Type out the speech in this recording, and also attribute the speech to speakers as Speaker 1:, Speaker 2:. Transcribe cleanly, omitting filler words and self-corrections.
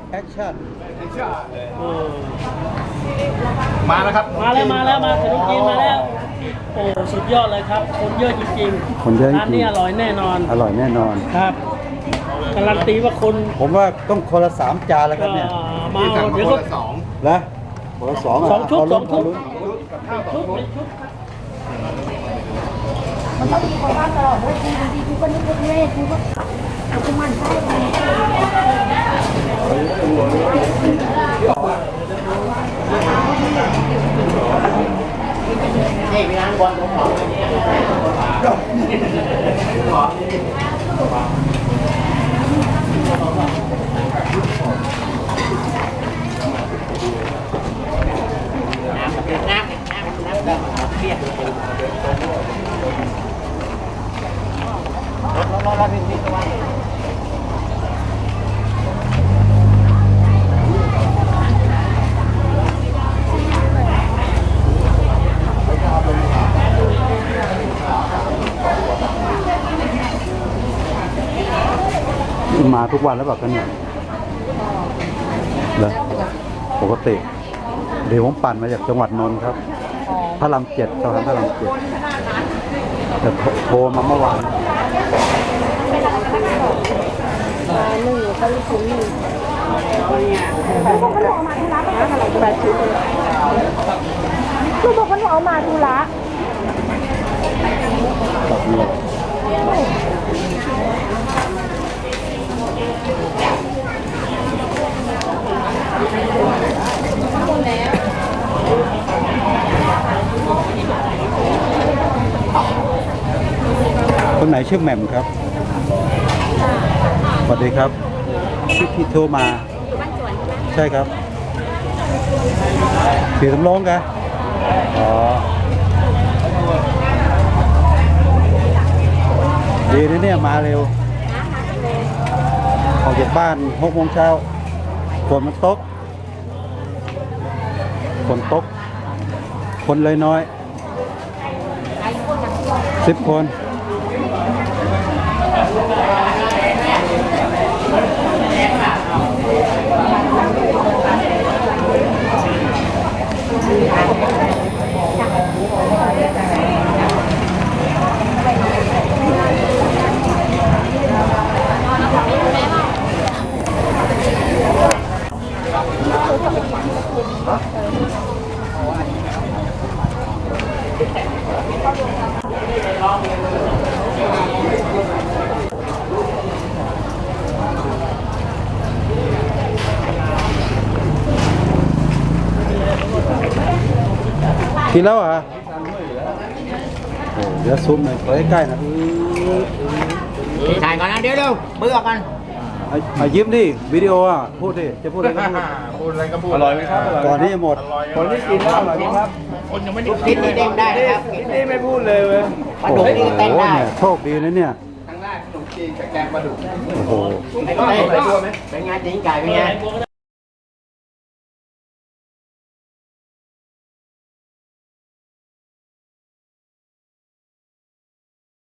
Speaker 1: แอคชั่น
Speaker 2: มาแล้วครับ
Speaker 3: มาแล้วมาขนมจีนมาแล้วโอ้สุดยอดเลยครับคนเยอะจริงๆ
Speaker 1: คนเยอะจริง
Speaker 3: ร้านนี้อร่อยแน่นอน
Speaker 1: อร่อยแน่นอน
Speaker 3: ครับการันตีว่าคน
Speaker 1: ผมว่าต้องคนละ3 จานแล้วครับเนี่ย
Speaker 3: มา
Speaker 2: ที่สั่ง
Speaker 3: เดี๋ยว
Speaker 2: ค
Speaker 3: ก็
Speaker 2: นละ2
Speaker 1: นะคนละ2
Speaker 3: สองชุด
Speaker 1: เาลุ้น
Speaker 3: สองชุด
Speaker 1: เาลุ้น
Speaker 4: มันต้องมีคนบ้านตลอดเลยกูก็นึกว่าเล่กูก็เอากูมันใช่ไหม
Speaker 1: มาทุกวันแล้วแบบกันเนี่ยเหรอปกติเดี๋ยวผมปั่นมาจากจังหวัดนนท์ครับพระราม7สะพานพระราม7แต่โทรมาเมื่อวาน
Speaker 4: ลูกบอกว่าหนูเอามาธุระ
Speaker 1: แบบนี้คนไหนชื่อแหม่มครับสวัสดีครับที่โทรมาใช่ครับเสียสำรองกันอ๋อดีนะเนี่ยมาเร็วออกจากบ้าน6 โมงเช้าฝนมันตกคนเลยน้อย10 คนกินแล้วเหรอโอ้เดี๋ยวซูมหน่อยไปใกล้ๆนะ
Speaker 5: ถ่ายก่อนนะเดี๋ยวเร็วเบื่อกัน
Speaker 1: มายิ้มดิวิดีโออ่ะพูดดิจะพูดอะไรก็พูด
Speaker 2: พูดอะไรก็พูด
Speaker 6: อร่อยไหมครับ
Speaker 1: ก่อนที่จะหมด
Speaker 6: คนที่กินแล้วอร่อยไหมครับ
Speaker 2: คนยังไม่ได้
Speaker 5: ลูกชิ้นนี่เด้งได้นะครับ
Speaker 6: นี่ไม่พูดเลยเว้ย
Speaker 5: ปลาดุกนี่ก็เต้นได้
Speaker 1: เนี่ยโชคดีนะเนี่ย
Speaker 2: ครั้งแรกขนมจีนกับแกงปลาดุก
Speaker 1: โอ้โห
Speaker 5: เป็นไงตีนไก่เป็นไง